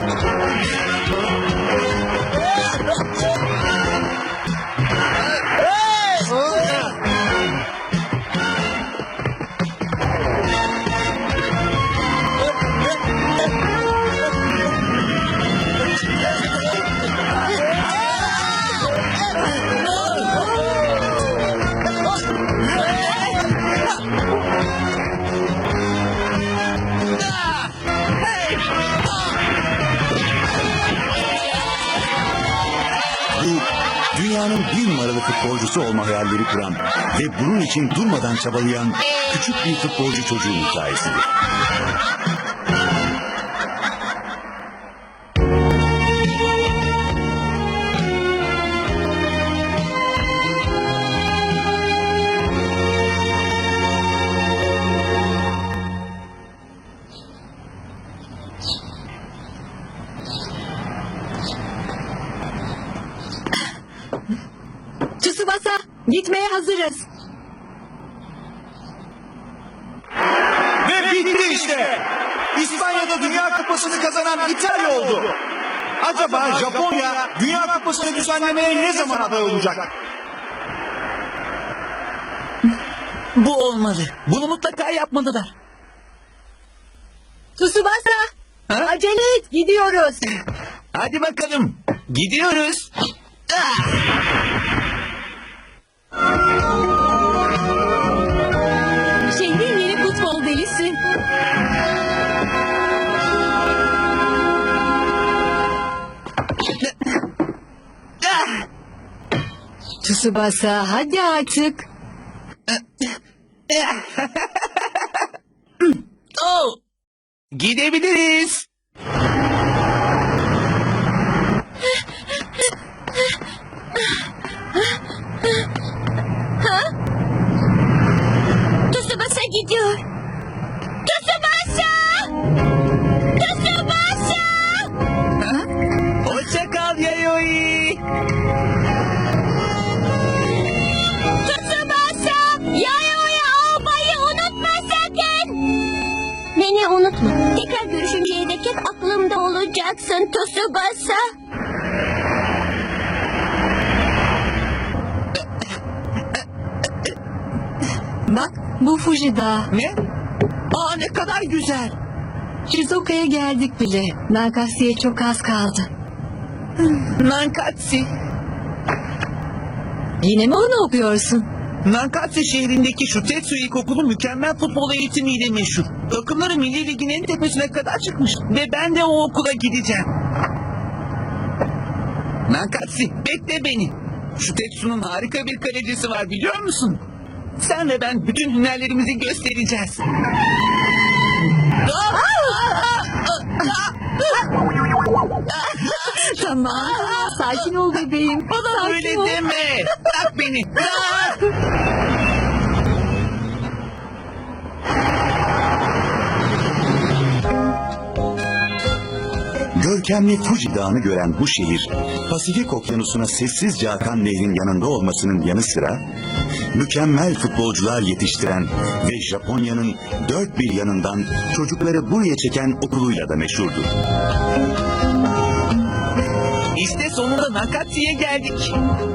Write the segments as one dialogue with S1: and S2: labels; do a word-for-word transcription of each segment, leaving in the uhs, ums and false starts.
S1: Dünyanın bir numaralı futbolcusu olma hayalleri kuran ve bunun için durmadan çabalayan küçük bir futbolcu çocuğun hikayesidir.
S2: Tsubasa, gitmeye hazırız.
S3: Ve bitti işte. İspanya'da Dünya Kupası'nı kazanan İtalya oldu. Acaba Japonya Dünya Kupası'nı düzenlemeye ne zaman aday olacak?
S4: Bu olmalı. Bunu mutlaka yapmalılar.
S2: Tsubasa,
S4: Ha?
S2: acele et, gidiyoruz.
S4: Hadi bakalım. Gidiyoruz. Ah!
S2: Şehrin yeni futbol delisi.
S4: Ah!
S2: Tsubasa, hadi artık.
S4: Oh! Gidebiliriz.
S2: Tsubasa gidiyor. Tsubasa! Tsubasa!
S4: Hoşça kal Yayoi.
S2: Tsubasa! Yayoi almayı unutma sakın. Beni unutma. Tekrar görüşünceye dek hep aklımda olacaksın Tsubasa. Bak, bu Fuji Dağı.
S4: Ne? Aa, ne kadar güzel.
S2: Shizoka'ya geldik bile. Nakasi'ye çok az kaldı.
S4: Nankatsi.
S2: Yine mi onu okuyorsun?
S4: Nankatsi şehrindeki şu Tetsu İlkokulu mükemmel futbol eğitimiyle meşhur. Takımları Milli Lig'in en tepesine kadar çıkmış. Ve ben de o okula gideceğim. Nankatsi, bekle beni. Şu Tetsu'nun harika bir kalecisi var, biliyor musun? Sen ve ben bütün hünerlerimizi göstereceğiz.
S2: Tamam. Sakin ol bebeğim.
S4: Bana
S2: Sakin
S4: öyle
S2: ol.
S4: deme. Bırak beni. Bırak.
S1: Görkemli Fuji Dağı'nı gören bu şehir, Pasifik Okyanusu'na sessizce akan nehrin yanında olmasının yanı sıra, mükemmel futbolcular yetiştiren ve Japonya'nın dört bir yanından çocukları buraya çeken okuluyla da meşhurdur.
S4: İşte sonunda Nakatsi'ye geldik.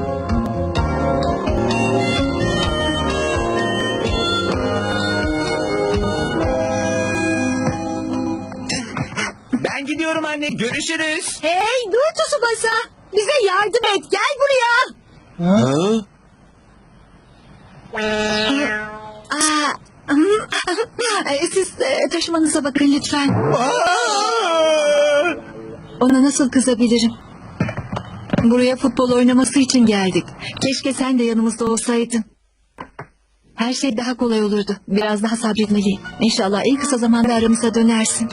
S4: Ben gidiyorum anne. Görüşürüz.
S2: Hey dur Tsubasa. Bize yardım et. Gel buraya.
S4: Ha?
S2: Aa, e, siz e, taşımanıza bakın lütfen. Ona nasıl kızabilirim? Buraya futbol oynaması için geldik. Keşke sen de yanımızda olsaydın. Her şey daha kolay olurdu. Biraz daha sabretmeliyim. İnşallah en kısa zamanda aramıza dönersin.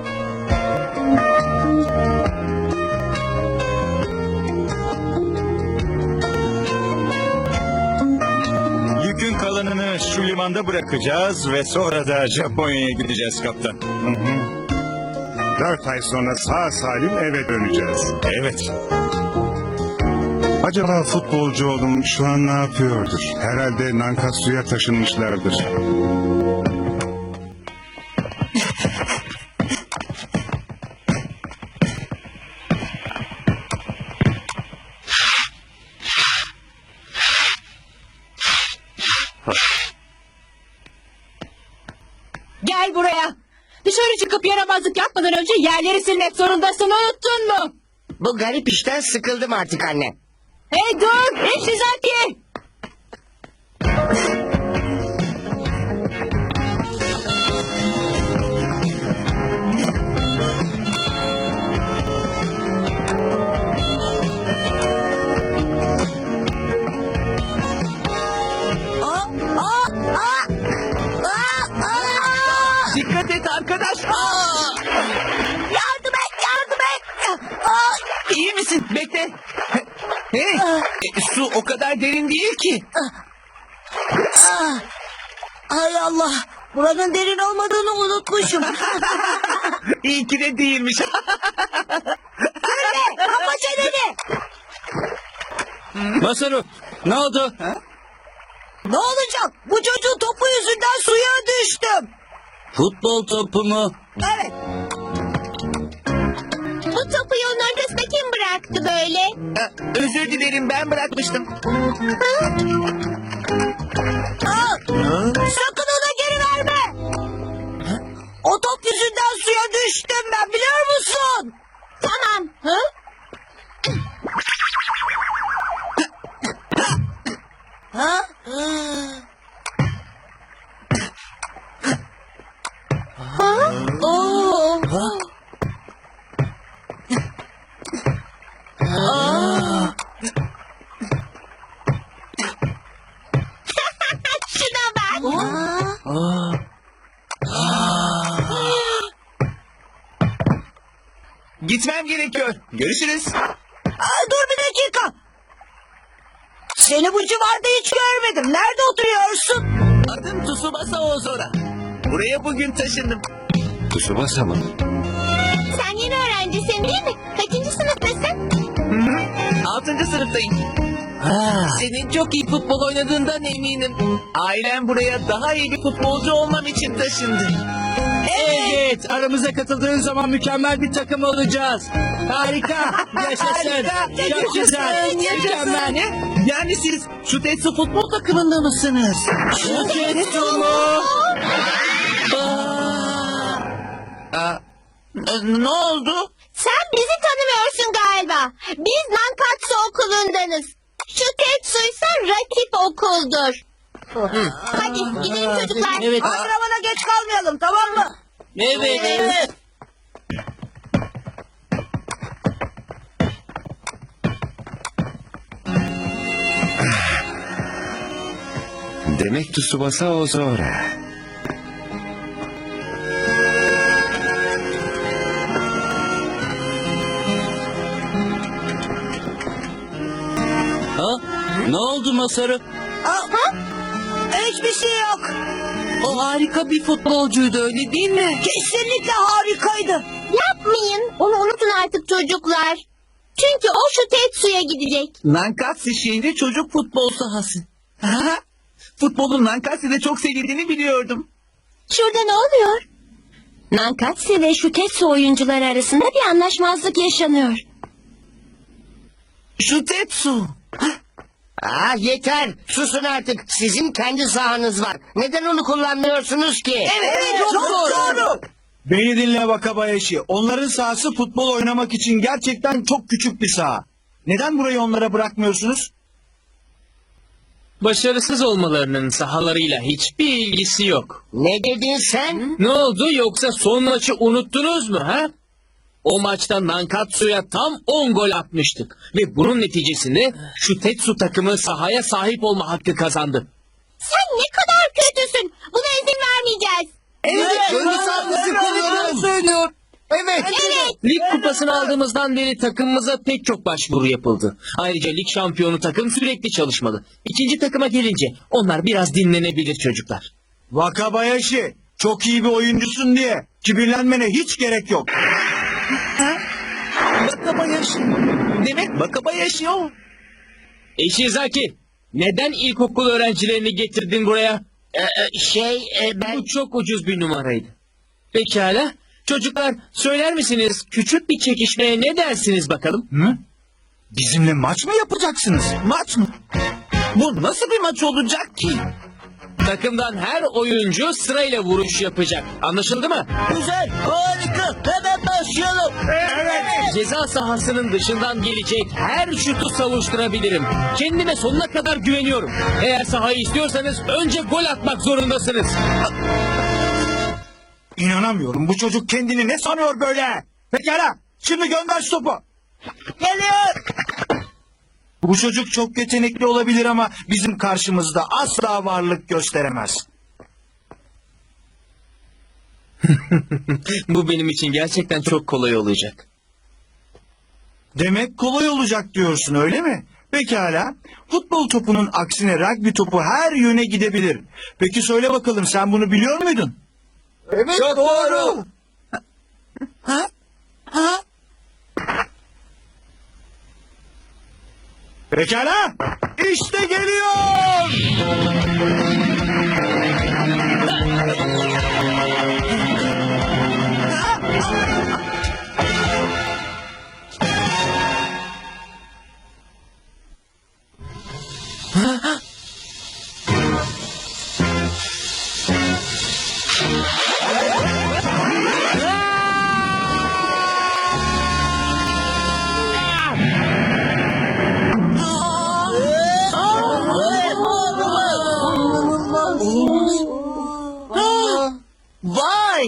S3: Yükün kalanını şu limanda bırakacağız ve sonra da Japonya'ya gideceğiz kaptan. Hı hı.
S5: Dört ay sonra sağ salim eve döneceğiz.
S3: Evet.
S5: Acaba futbolcu oğlum şu an ne yapıyordur? Herhalde Nankatsu'ya taşınmışlardır.
S2: Dışarı çıkıp yaramazlık yapmadan önce yerleri silmek zorundasın, unuttun mu?
S6: Bu garip işten sıkıldım artık anne.
S2: Hey dur! Ishizaki!
S4: Dikkat et arkadaş. Aa!
S6: Yardım et, yardım et.
S4: İyi misin? Bekle. Hey, e, su o kadar derin değil ki.
S6: Hay Allah, buranın derin olmadığını unutmuşum.
S4: İyi ki de değilmiş.
S6: Kapa çeneni.
S7: Masaru, ne oldu?
S6: Ne olacak? Bu çocuğun topu yüzünden suya düştüm.
S7: Futbol topu mu?
S6: Evet.
S2: Bu topu yolun ortasına kim bıraktı böyle?
S4: Ee, Özür dilerim, ben bırakmıştım.
S6: Aa, sakın ona geri verme. O top yüzünden suya düştüm ben, biliyor musun?
S2: Tamam. Hı?
S6: Ha?
S2: Ha? Oo. Şuna bak.
S4: Gitmem gerekiyor. Görüşürüz.
S6: Aa, dur bir dakika. Seni bu civarda hiç görmedim. Nerede oturuyorsun?
S4: Adım Tsubasa Ozora. Buraya bugün taşındım.
S7: Tsubasa mı?
S2: Sen yeni öğrencisin değil mi? Kaçıncı sınıftasın?
S4: Altıncı sınıftayım. Senin çok iyi futbol oynadığından eminim. Ailem buraya daha iyi bir futbolcu olmam için taşındı.
S7: Evet, aramıza katıldığın zaman mükemmel bir takım olacağız. Harika, yaşasın.
S4: Harika,
S7: Çok güzel, mükemmel.
S4: Ne? Yani siz şu Tetsu futbol takımında mısınız?
S7: Şu Tetsu mu?
S4: Aa, n- ne oldu?
S2: Sen bizi tanımıyorsun galiba. Biz Nankatsu okulundanız. Şu Tetsu ise rakip okuldur. Hadi gidelim çocuklar.
S7: Evet,
S6: Antrenmana geç kalmayalım, tamam mı?
S7: evet, evet.
S8: Demek Tsubasa Ozora.
S7: Ha? Ne oldu Masaru?
S6: Aa, hiçbir şey yok.
S4: O harika bir futbolcuydu, öyle değil mi?
S6: Kesinlikle harikaydı.
S2: Yapmayın. Onu unutun artık çocuklar. Çünkü o şu Tetsu'ya gidecek.
S4: Nankatsu şehri çocuk futbol sahası. Ha? Futbolun Nankatsu'da çok sevildiğini biliyordum.
S2: Şurada ne oluyor? Nankatsu ve şu Tetsu oyuncuları arasında bir anlaşmazlık yaşanıyor.
S4: Şu Tetsu.
S6: Aa, yeter. Susun artık. Sizin kendi sahanız var. Neden onu kullanmıyorsunuz ki?
S4: Evet, çok, doğru.
S3: Beni dinle Wakabayashi. Onların sahası futbol oynamak için gerçekten çok küçük bir saha. Neden burayı onlara bırakmıyorsunuz?
S7: Başarısız olmalarının sahalarıyla hiçbir ilgisi yok.
S6: Ne dedin sen?
S7: Ne oldu, yoksa son maçı unuttunuz mu ha? O maçta Nankatsu'ya tam on gol atmıştık. Ve bunun neticesinde şu Tetsu takımı sahaya sahip olma hakkı kazandı.
S2: Sen ne kadar kötüsün. Buna izin vermeyeceğiz.
S4: Evet,
S7: söylüyor.
S6: Evet.
S2: Evet.
S7: Lig kupasını aldığımızdan beri takımımıza pek çok başvuru yapıldı. Ayrıca lig şampiyonu takım sürekli çalışmalı. İkinci takıma gelince onlar biraz dinlenebilir çocuklar.
S3: Wakabayashi, çok iyi bir oyuncusun diye kibirlenmene hiç gerek yok.
S4: Wakabayashi. Demek Wakabayashi o.
S7: Ishizaki, neden ilkokul öğrencilerini getirdin buraya?
S6: Ee, şey, e, ben...
S7: Bu çok ucuz bir numaraydı. Pekala. Çocuklar, söyler misiniz küçük bir çekişmeye ne dersiniz bakalım?
S3: Hı? Bizimle maç mı yapacaksınız?
S4: Maç mı? Bu nasıl bir maç olacak ki?
S7: Takımdan her oyuncu sırayla vuruş yapacak. Anlaşıldı mı?
S6: Güzel, harika. Hemen başlayalım.
S7: Ceza sahasının dışından gelecek her şutu savuşturabilirim. Kendime sonuna kadar güveniyorum. Eğer sahayı istiyorsanız önce gol atmak zorundasınız.
S3: İnanamıyorum. Bu çocuk kendini ne sanıyor böyle? Pekala. Şimdi gönder şu topu.
S6: Geliyor.
S3: Bu çocuk çok yetenekli olabilir ama bizim karşımızda asla varlık gösteremez.
S7: Bu benim için gerçekten çok kolay olacak.
S3: Demek kolay olacak diyorsun, öyle mi? Pekala. Futbol topunun aksine rugby topu her yöne gidebilir. Peki söyle bakalım, sen bunu biliyor muydun?
S6: Evet,
S3: Çok doğru.
S6: Ha? Ha?
S3: Pekala. İşte geliyor.
S6: Vay!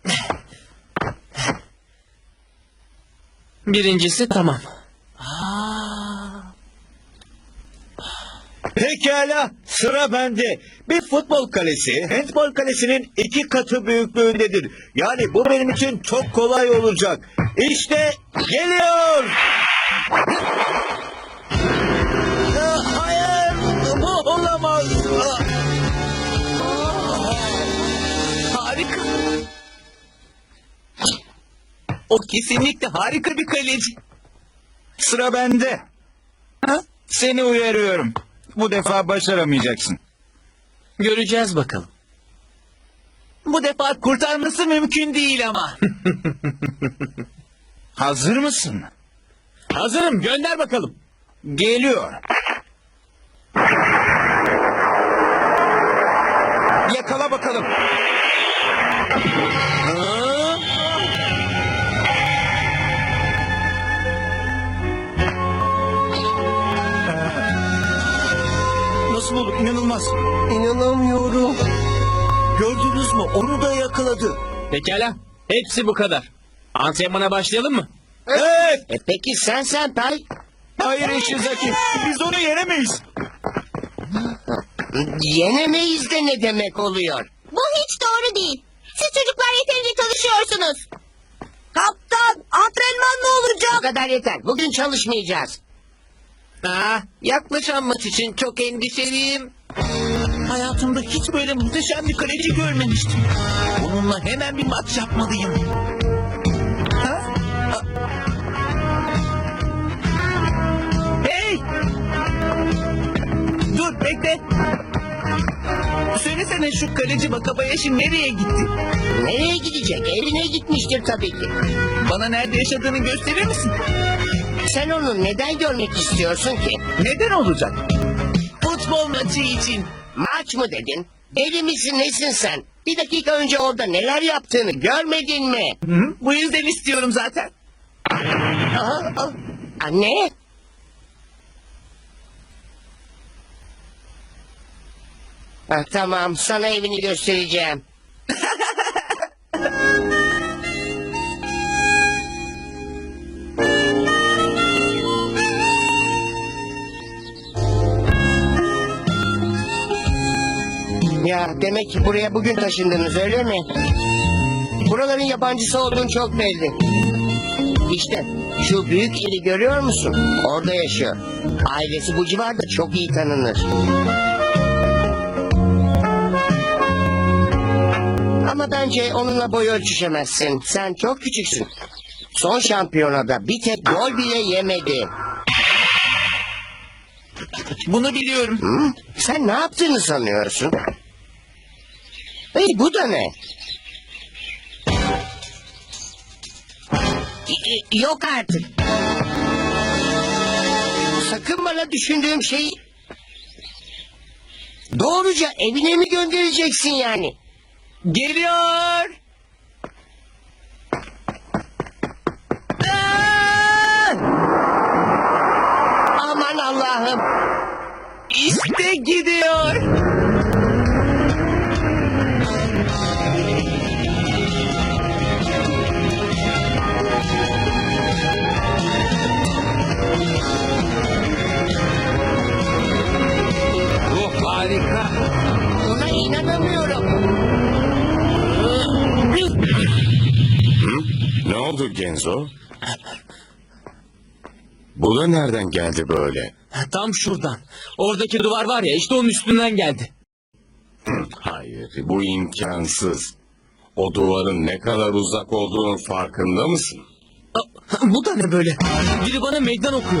S7: Birincisi tamam.
S9: Pekala, sıra bende. Bir futbol kalesi, handbol kalesinin iki katı büyüklüğündedir. Yani bu benim için çok kolay olacak. İşte geliyor.
S6: Aa, hayır! Bu olamaz. Aa,
S4: Harika. O kesinlikle harika bir kaleci.
S3: Sıra bende. Seni uyarıyorum. Bu defa başaramayacaksın.
S7: Göreceğiz bakalım.
S4: Bu defa kurtarması mümkün değil ama.
S3: Hazır mısın?
S7: Hazırım, gönder bakalım.
S3: Geliyor. Yakala bakalım. Nasıl olur? İnanılmaz.
S6: İnanamıyorum. Gördünüz mü? Onu da yakaladı.
S7: Pekala, hepsi bu kadar. Antrenmana başlayalım mı?
S3: Evet.
S6: E peki sen sen Tay?
S3: Hayır Eşizaki. Biz onu yenemeyiz.
S6: Yenemeyiz de ne demek oluyor?
S10: Bu hiç doğru değil. Siz çocuklar yeterince çalışıyorsunuz.
S6: Kaptan, antrenman mı olacak? Bu kadar yeter. Bugün çalışmayacağız.
S4: Aa, yaklaşan maç için çok endişeliyim. Hayatımda hiç böyle muhteşem bir kaleci görmemiştim. Onunla hemen bir maç yapmalıyım. Ha? Aa. Hey! Dur bekle. Söylesene şu kaleci Wakabayashi nereye gitti?
S6: Nereye gidecek? Evine gitmiştir tabii ki.
S4: Bana nerede yaşadığını gösterir misin?
S6: Sen onu neden görmek istiyorsun ki?
S4: Neden olacak? Futbol maçı için.
S6: Maç mı dedin? Deli misin nesin sen? Bir dakika önce orada neler yaptığını görmedin mi?
S4: Hı? Bu yüzden istiyorum zaten.
S6: Aa, aa. Anne? Ha, tamam, sana evini göstereceğim. Ya demek ki buraya bugün taşındınız öyle mi? Buraların yabancısı olduğun çok belli. İşte şu büyük eli görüyor musun? Orada yaşıyor. Ailesi bu civarda çok iyi tanınır. Ama bence onunla boy ölçüşemezsin. Sen çok küçüksün. Son şampiyonada bir tek gol bile yemedi.
S4: Bunu biliyorum.
S6: Hı? Sen ne yaptığını sanıyorsun? Hey bu da ne? Y- Yok artık. Sakın bana düşündüğüm şeyi... Doğruca evine mi göndereceksin yani?
S4: Geliyor. Aa!
S6: Aman Allah'ım.
S4: İşte gidiyor.
S7: Bu harika.
S6: Buna inanamıyorum.
S8: Ne oldu Genzo? Bu da nereden geldi böyle?
S7: Tam şuradan. Oradaki duvar var ya, işte onun üstünden geldi.
S8: Hayır, bu imkansız. O duvarın ne kadar uzak olduğunun farkında mısın?
S7: Aa, bu da ne böyle? Biri bana meydan okuyor.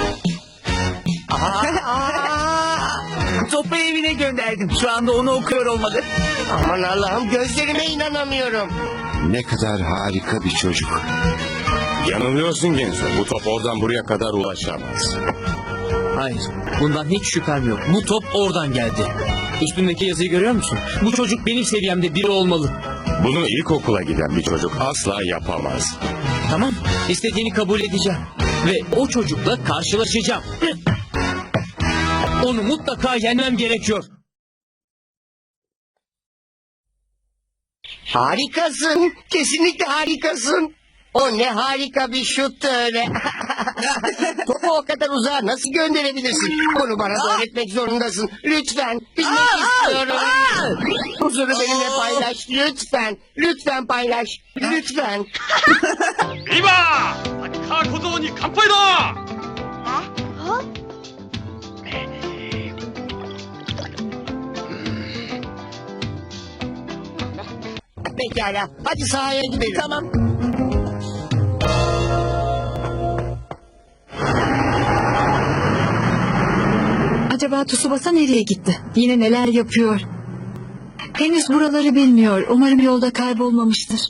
S4: Topu evine gönderdim. Şu anda onu okuyor olmalı.
S6: Aman Allah'ım, gözlerime inanamıyorum.
S8: Ne kadar harika bir çocuk. Yanılıyorsun Genzo. Bu top oradan buraya kadar ulaşamaz.
S7: Hayır, bundan hiç şüphem yok. Bu top oradan geldi. Üstündeki yazıyı görüyor musun? Bu çocuk benim seviyemde biri olmalı.
S8: Bunu ilkokula giden bir çocuk asla yapamaz.
S7: Tamam, istediğini kabul edeceğim. Ve o çocukla karşılaşacağım. Onu mutlaka yenmem gerekiyor.
S6: Harikasın. Kesinlikle harikasın. O ne harika bir şuttu öyle. Topu o kadar uzağa nasıl gönderebilirsin? Bunu bana da öğretmek zorundasın. Lütfen. Bilmek istiyorum. Huzuru benimle paylaş. Lütfen. Lütfen paylaş. Lütfen. Pekala. Hadi sahaya gidelim. Tamam.
S2: Acaba Tsubasa nereye gitti? Yine neler yapıyor? Henüz buraları bilmiyor. Umarım yolda kaybolmamıştır.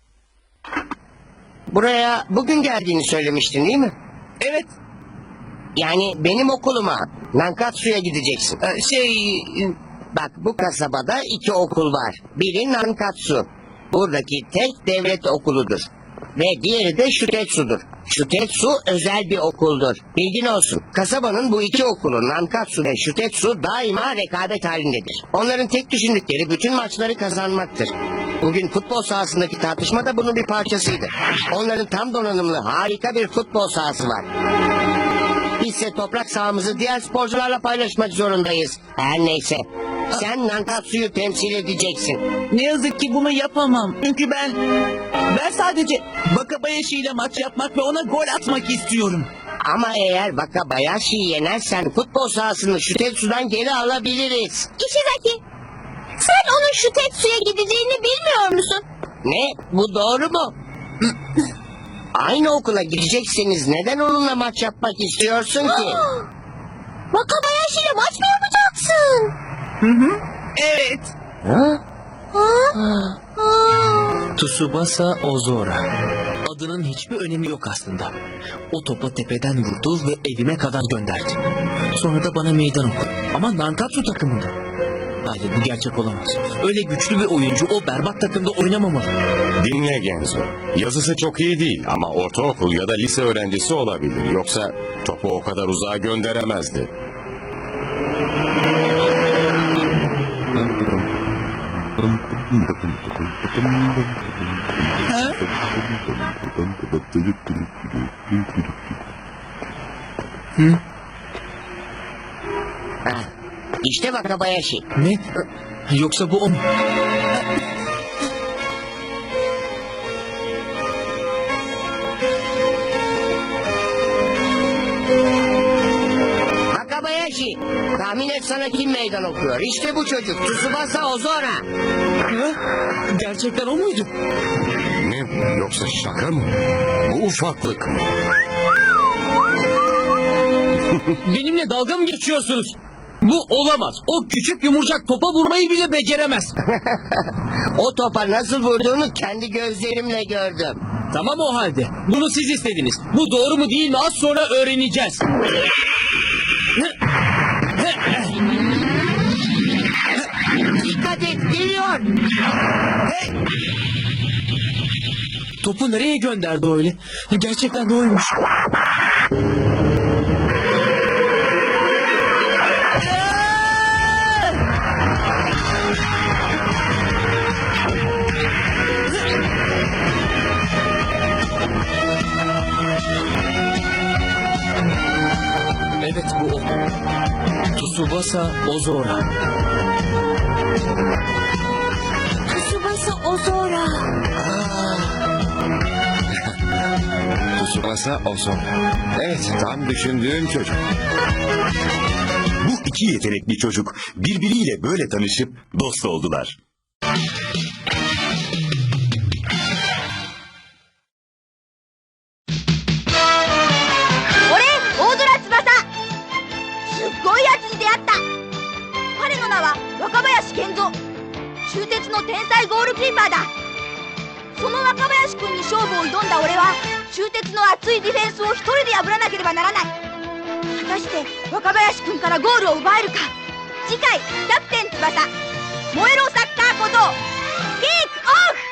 S6: Buraya bugün geldiğini söylemiştin değil mi?
S4: Evet.
S6: Yani benim okuluma, Nankatsu'ya gideceksin.
S4: e, Şey...
S6: Bak, bu kasabada iki okul var. Biri Nankatsu. Buradaki tek devlet okuludur. Ve diğeri de Şutetsu'dur. Şutetsu özel bir okuldur. Bilgin olsun. Kasabanın bu iki okulu, Nankatsu ve Şutetsu, daima rekabet halindedir. Onların tek düşündükleri bütün maçları kazanmaktır. Bugün futbol sahasındaki tartışma da bunun bir parçasıydı. Onların tam donanımlı harika bir futbol sahası var. Bizse toprak sahamızı diğer sporcularla paylaşmak zorundayız. Her neyse. Sen Nankatsu'yu temsil edeceksin.
S4: Ne yazık ki bunu yapamam. Çünkü ben... Ben sadece Wakabayashi ile maç yapmak ve ona gol atmak istiyorum.
S6: Ama eğer Wakabayashi'yi yenersen futbol sahasını Şutetsu'dan geri alabiliriz.
S10: Ishizaki, sen onun şu Tetsu'ya gideceğini bilmiyor musun?
S6: Ne? Bu doğru mu? Aynı okula gidecekseniz neden onunla maç yapmak istiyorsun ki?
S10: Wakabayashi ile maç mı yapacaksın?
S4: Evet.
S6: Ha?
S7: Tsubasa Ozora. Adının hiçbir önemi yok aslında. O topu tepeden vurdu ve evime kadar gönderdi. Sonra da bana meydan okudu. Ama Nankatsu takımında. Hayır, bu gerçek olamaz. Öyle güçlü bir oyuncu o berbat takımda oynamamalı.
S8: Dinle Genzo. Yazısı çok iyi değil ama ortaokul ya da lise öğrencisi olabilir. Yoksa topu o kadar uzağa gönderemezdi.
S6: Ha, İşte Wakabayashi.
S7: Ne? Yoksa bu o mu?
S6: Wakabayashi. Tahmin et, sana kim meydan okuyor? İşte bu çocuk. Tsubasa Ozora.
S7: Ha? Gerçekten o muydu?
S8: Ne bu? Yoksa şaka mı? Bu ufaklık mı?
S7: Benimle dalga mı geçiyorsunuz? Bu olamaz. O küçük yumurcak topa vurmayı bile beceremez.
S6: O topa nasıl vurduğunu kendi gözlerimle gördüm.
S7: Tamam o halde. Bunu siz istediniz. Bu doğru mu değil mi az sonra öğreneceğiz.
S6: Geliyor.
S7: Topu nereye gönderdi öyle? Gerçekten de oymuş. Evet bu o. Tsubasa Ozora.
S10: Tsubasa Ozora.
S8: Tsubasa Ozora. Evet, tam düşündüğüm çocuk.
S1: Bu iki yetenekli çocuk birbiriyle böyle tanışıp dost oldular.
S10: 俺、大空翼。すっごいやつに出会った。彼の名は若林健三。中鉄の天才ゴールキーパーだ。その若林君に勝負を挑んだ俺は、中鉄の熱いディフェンスを一人で破らなければならない。果たして若林君からゴールを奪えるか。次回、キャプテン翼、燃えろサッカー小僧、キックオフ。